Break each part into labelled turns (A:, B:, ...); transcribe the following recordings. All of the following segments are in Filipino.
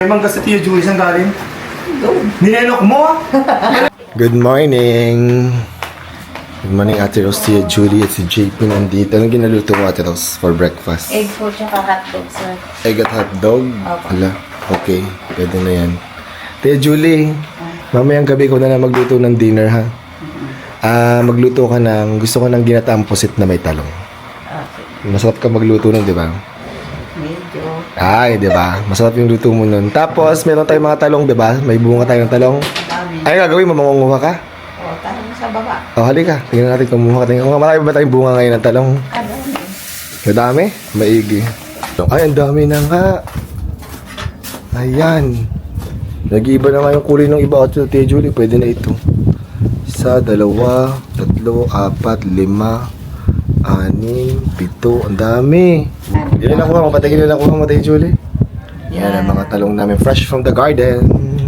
A: May mangga sa Tia Julie, saan galing? Ninenok mo? Good morning! Good morning, Ate Rose, Tia Julie at si JP nandito. Anong ginaluto mo, Ate Rose, for breakfast?
B: Egg po tsaka hotdog, sir.
A: Egg at hotdog?
B: Opo.
A: Hala, okay. Pwede na yan. Tia Julie, mamayang gabi ko na magluto ng dinner, ha? Magluto ka ng, gusto ko ng ginataang pusit na may talong.
B: Okay.
A: Masarap ka magluto nun, di ba?
B: Medyo.
A: Ay, di ba? Masarap yung luto mo nun. Tapos, meron tayong mga talong, di ba? May bunga tayong talong.
B: Dami.
A: Ay, gagawin mo, mangunguha ka?
B: O, tanong sa baba.
A: O, halika. Tingnan natin kumuha ka. Tingnan. Marami ba tayong bunga ngayon ng talong?
B: Kadami.
A: Madami? Maigi. Ay, ang dami na nga. Ayan. Nag-iiba na nga yung kulay ng iba. Ate Julie, pwede na ito. Isa, dalawa, tatlo, apat, lima, anim, pito. Ang dami. Yun na nakuha mo. Patagin na nakuha mo, Ate Julie. Yan ang mga talong namin. Fresh from the garden.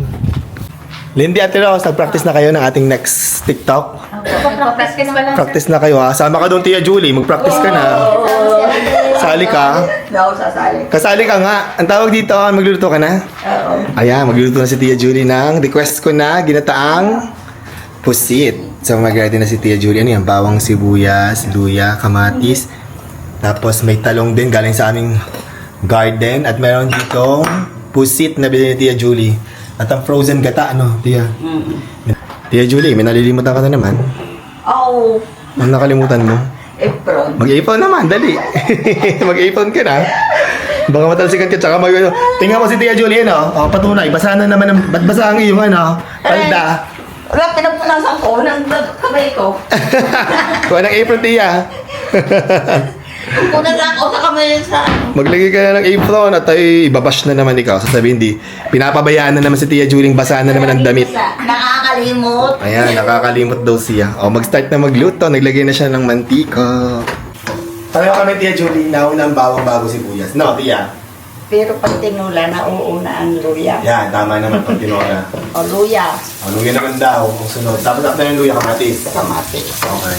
A: Lindy, Ate Rose, nag-practice na kayo ng ating next TikTok?
B: Practice pa lang,
A: Practice na kayo, ha? Sama ka doon, Tia Julie. Mag-practice ka na. Sali ka.
B: Hindi ako sasali.
A: Kasali ka nga. Ang tawag dito, magluluto ka na?
B: Oo.
A: Ayan, magluluto na si Tia Julie ng request ko na ginataang pusit. So, mag-ready na si Tia Julie. Ano yan? Bawang sibuyas, luya, kamatis. Tapos may talong din galing sa aming garden. At meron dito pusit na bilhin ni Tia Julie. At ang frozen gata, ano, Tia? Tia Julie, may nalilimutan ka na naman.
B: Oo.
A: Ano nakalimutan mo?
B: Apron.
A: Mag-ipon naman, dali. Mag-ipon ka na. Baka matalsikan ka, tsaka tingnan mo si Tia Julie, ano? O, patunay, basa na naman, ba't basa ang iyong, ano? Palda.
B: Wala, pinapunasan ko ng kamay ko.
A: Kuha ng apron, Tia.
B: Punasan ko sa kamay sa...
A: Maglagay ka na ng apron at ay ibabash na naman ikaw. Sasabihin, hindi. Pinapabayaan na naman si Tia Julie, basa na naman ang damit.
B: Nakakalimot.
A: Ayan, nakakalimot daw siya. O, mag-start na magluto. Naglagay na siya ng mantika. Pareho kami, Tia Julie, nauna ang bawang bago sibuyas. No, Tia?
B: Pero pag tinula, nauuna ang luya.
A: Yan, tama naman pag tinora.
B: O luya.
A: O, luya naman daw, kung sunod. Tapos after yung luya, kamatis.
B: Kamatis.
A: Okay.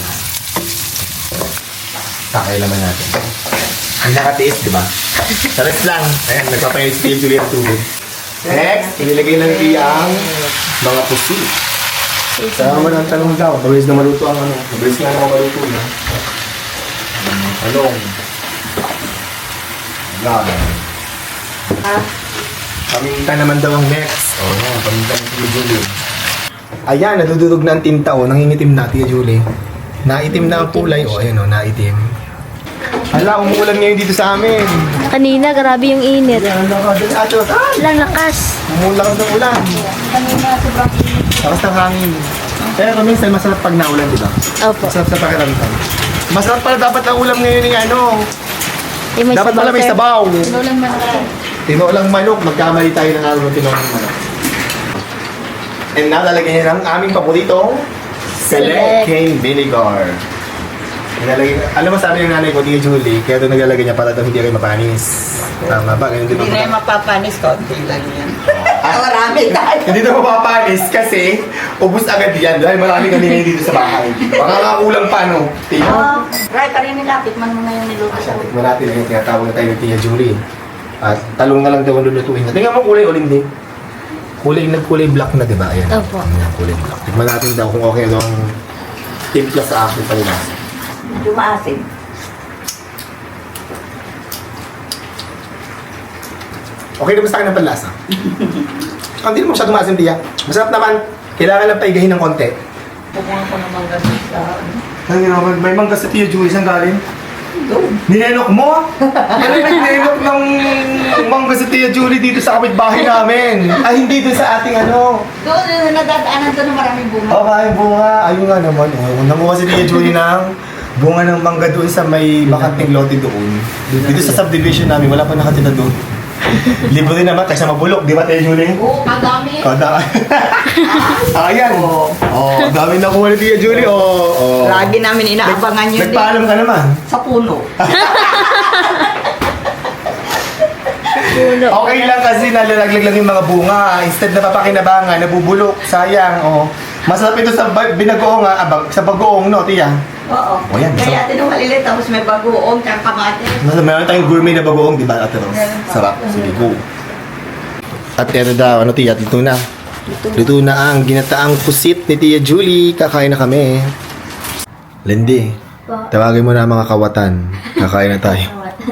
A: Sakay naman natin. Ang nakatiis, di ba? Sarap lang. Ayan, nagpapayin si Tia Julie ang tubig. Next, inilagay ng Tia ang mga pusi. Sama mo ng talong daw. Mabilis na maluto ang ano. Mabilis nga naman maluto na. Talong. Yan.
B: Ha?
A: Paminta naman daw ang next. Oo, paminta ng Tia Julie. Ayan, nadudurog na ang tinta o. Nangingitim na, Tia Julie. Naitim na ang kulay. O, ayan o, naitim. Hala, umuulan ngayon dito sa amin.
C: Kanina, grabe yung init.
A: Ayan, ang lakas. Atos,
C: Walang lakas.
A: umuulan ng ulan.
B: Kanina, sobrang init.
A: Lakas ng hangin. Pero minsan masarap pag naulan, di ba?
C: Opo.
A: Masarap sa pakiramdam. Masarap pala dapat ang ulam ngayon ng ano.
C: Yung may
A: Dapat
C: sabaw,
A: pala may
C: sir.
A: sabaw.
B: Tinulang man ako.
A: Tinolang manok. Magkamali tayo ng araw ng tinolang manok. And now, lalagyan niya ng aming paboritong Select Cane Vinegar. Nilalagay, alam mo sabi ng nanay ko, Tia Julie, kaya doon naglalagay niya para daw hindi kayo mapanis. Tama ba? Ganun din
B: Hindi
A: ba?
B: na yung mapapanis, konti lang yan. Marami tayo.
A: Hindi na mapapanis kasi ubus agad yan dahil marami kami ngayon dito sa bahay. Baka nga kulang pa, no? Tia?
B: Right, parin nila. Tikman mo na yung niluto
A: Asya,
B: ko.
A: tikman natin yung tinatawag na tayo ni Tia Julie. At talong na lang daw ang lulutuin niya. Tingnan mo kulay uling din. Nagkulay black na, di ba? Ayan.
C: Opo.
A: Ayan, kulay black. Tikman natin daw kung okay daw ang timpla sa akin pa nila.
B: Medyo maasim.
A: Okay naman sa akin ang panlasa. Hindi naman masyadong maasim, Tia. Masarap naman. Kailangan lang paigahin ng konti.
B: Pupunta ko naman ganun sa...
A: May mangga sa Tia Julie, saan galing?
B: Doon.
A: Ninenok mo? Ano yung ninenok ng mangga sa Tia Julie dito sa kapitbahay namin? Ay, hindi doon sa ating ano.
B: Doon, nadadaanan doon ng maraming bunga.
A: Okay, bunga. Ayun nga naman. Oh. Nanguha si Tia Julie ng bunga ng mangga doon sa may bakanting lote doon. Dito sa subdivision namin, wala pa nakatira doon. Libre naman, kaysa mabulok, di ba Tia Julie?
B: Oo, kadami.
A: Kada. Ayan. Oh, dami na kuha ni Tia Julie. Oh.
B: Lagi namin inaabangan yun
A: Nagpaalam ka naman.
B: sa puno.
A: Okay lang kasi nalalaglag lang yung mga bunga. Instead na papakinabangan, nabubulok. Sayang. Oh. Masarap ito sa binagoong, sa bagoong, no, Tia?
B: Oo.
A: O, yan.
B: Kaya atin nung malilit, tapos may bagoong, tsaka kamatis.
A: Meron tayong gourmet na bagoong, di ba, Ate Rose?
B: Meron pa.
A: Sarap. Sige, go. At eto daw, ano tiya, luto na. Luto na ang ginataang pusit ni Tia Julie. Kakain na kami. Lindy, tawagin mo na ang mga kawatan. Kakain na tayo.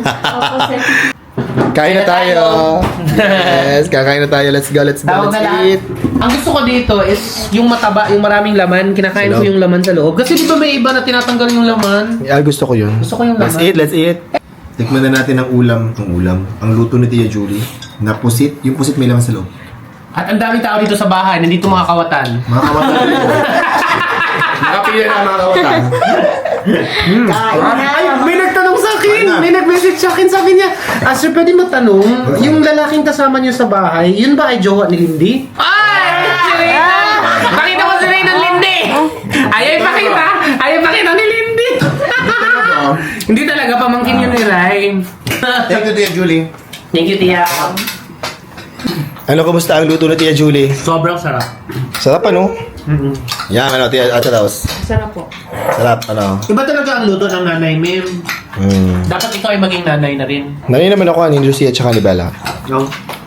A: Kain na tayo. Yes, kakain na tayo. Let's go, let's go,
D: Tawag
A: let's
D: na lahat.
A: eat.
D: Ang gusto ko dito is yung mataba, yung maraming laman. Kinakain
A: Sa
D: ko
A: loob.
D: yung laman sa loob. Kasi di ba may iba na tinatanggal yung laman?
A: Gusto ko yun.
D: Gusto ko yung
A: Let's
D: laman.
A: eat, let's eat. Tikman na natin ang ulam. Ang luto ni Tia Julie. Na pusit. Yung pusit may laman sa loob.
D: At ang daming tao dito sa bahay. Nandito mga kawatan.
A: Mga kawatan na ito. Nakapila na mga kawatan.
D: Ay, may nagtanong sa akin!
A: Ano?
D: May nag-message sa akin. Sabi niya, sir, pwede matanong, yung lalaking kasama niyo sa bahay, yun ba ay jowa ni Lindy? Ay! Si Reyna! Pakita mo si Reyna ng Lindy! Ayaw ipakita! Ayaw ipakita ni Lindy! Hindi talaga, pamangkin yun ni Ray.
A: Thank you, Tia Julie.
D: Thank you, Tia.
A: Ano, kumusta ang luto ni Tia Julie?
D: Sobrang sarap.
A: Sarap, ano? Yan, ano, Tia Ate Raus.
D: Sarap po.
A: Sarap, ano?
D: Iba talaga ang luto ng nanay, Mim.
A: Mm.
D: Dapat ikaw ay maging nanay na rin.
A: Nani naman ako ni Lucia at saka ni Bella.
D: No?